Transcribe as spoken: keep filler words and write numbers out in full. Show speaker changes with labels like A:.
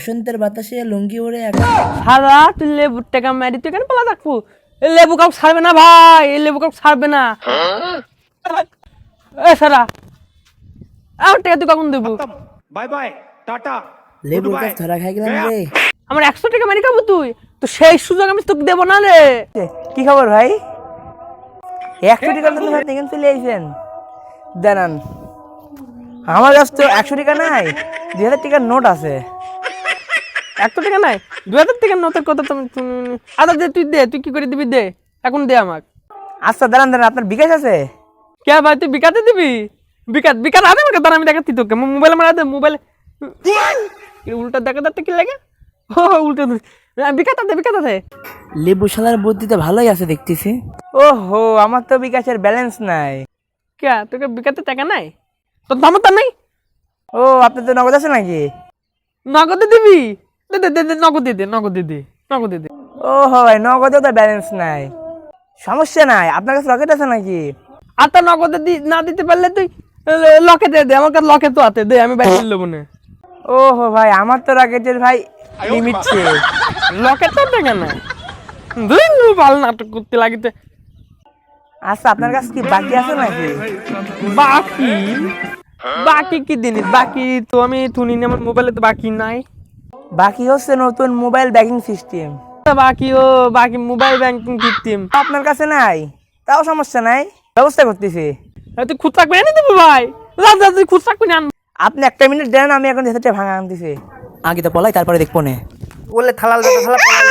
A: বসন্তের বাতাসে লুঙ্গি ওড়ে একা
B: সারা তুই লেবুর টাকা মারি তুই কেন পালা থাকবো? এই লেবু কাউ ছাড়বে না ভাই, এই লেবু কাউ ছাড়বে না। এ সারা আমার টাকা তুই কখন দেবো?
C: Bye bye tata.
A: লেবুর গাছ ধরা খাই গেলাম রে।
B: আমার একশো টাকা মারি খাবো তুই তো সেই সুযোগ আমি তোকে দেবো না রে।
A: কি খবর ভাই? একশো টাকা তো ভাই এখানে চলে আইছেন, দাঁড়ান। আমার কাছে তো একশো টাকা নাই, দুই হাজার টাকার নোট আছে।
B: একশো টাকা নাই, দু হাজার টাকার নোটের কথা তুমি আদা দে, তুই দে, তুই কি করে দিবি দে, এখন দে আমাকে।
A: আচ্ছা দাঁড়ান দাঁড়ান, আপনার বিকাশ আছে?
B: কে ভাই তুই বিকাতে দিবি? বিকাত বিকাত আদে আমাকে দাঁড়া, আমি দেখাচ্ছি তোকে মোবাইল মারা দে মোবাইল। উল্টা দেখা যাচ্ছে কি লাগে? ও উল্টা বিকাত দে, বিকাত দে।
A: লেবু শালার বুদ্ধিতে ভালোই আছে দেখতেছি। ওহো, আমার তো বিকাশের ব্যালেন্স নাই।
B: কে তোকে বিকাতে টাকা নাই? তোর দাম তো নাই।
A: ও, আপনার তো নগদ আছে নাকি?
B: নগদে দিবি? দে দে দে দে, নগদে দে, নগদে দে, নগদে দে।
A: ও ভাই, নগদে তো ব্যালেন্স নাই। সমস্যা নাই, আপনার কাছে রকেট আছে নাকি?
B: আর তা নগদে দি না দিতে পারলে তুই লকে দে দে, আমার কাছে লকে তো আছে, দে আমি বাইরে নেবো না।
A: ওহো ভাই, আমার তো রকেটের ভাই লিমিট ছিল।
B: লকে তো টাকা নাই, দুই ভালো নাটক করতে লাগিতে।
A: আচ্ছা, আপনার কাছে কি বাকি আছে নাকি?
B: বাকি বাকি কি জিনিস? বাকি তো আমি শুনি না, আমার মোবাইলে তো বাকি নাই।
A: বাকি হচ্ছে নতুন মোবাইল ব্যাংকিং সিস্টেম।
B: বাকি ও বাকি মোবাইল ব্যাংকিং সিস্টেম
A: আপনার কাছে নাই, তাও সমস্যা নাই, ব্যবস্থা করতেছি।
B: তুই খুচরা করে এনে দেবো ভাই, যা যা তুই খুচরা করে আন।
A: আপনি একটা মিনিট দেন, আমি এখন যেতে ভাঙা আনতেছি। আগে তো পলাই, তারপরে দেখবো না। বলে থালাল থালা